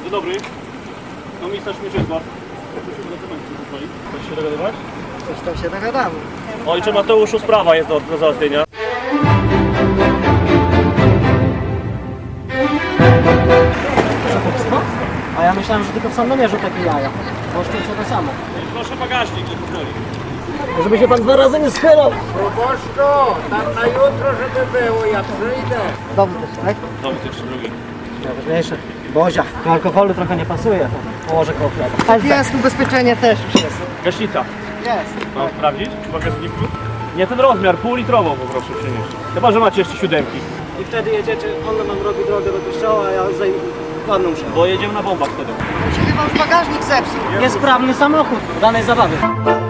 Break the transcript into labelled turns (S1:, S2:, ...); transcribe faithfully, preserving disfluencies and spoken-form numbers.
S1: Dzień dobry. Komisarz Mieczysław. Prosimy dokumenty pozwolić. Chcesz się dogadywać?
S2: Coś tam się dogadamy.
S1: Ojcze Mateuszu, sprawa jest do, do załatwienia.
S2: A ja myślałem, że tylko w Sandomierzu takie jaja. Bo Szczecin to samo.
S1: Proszę bagażnik, nie pozwoli.
S2: Żeby się pan dwa razy nie schylał.
S3: Proboszczu, tam na jutro, żeby było, ja przyjdę.
S2: Dowód też, tak?
S1: Dowód jeszcze drugi.
S2: Najważniejsze. Bozia. Do alkoholu trochę nie pasuje. To położę koło chleba. Jest, ubezpieczenie też już jest.
S1: Gaśnica.
S2: Jest.
S1: Mam sprawdzić w bagażniku? Nie ten rozmiar, półlitrową poproszę przynieść. Chyba, że macie jeszcze siódemki.
S2: I wtedy jedziecie, on nam robi drogę do kościoła, a ja zajmę ładną muszę.
S1: Bo jedziemy na bombach wtedy.
S2: Mi się chyba już bagażnik zepsuł. Niesprawny samochód danej zabawy.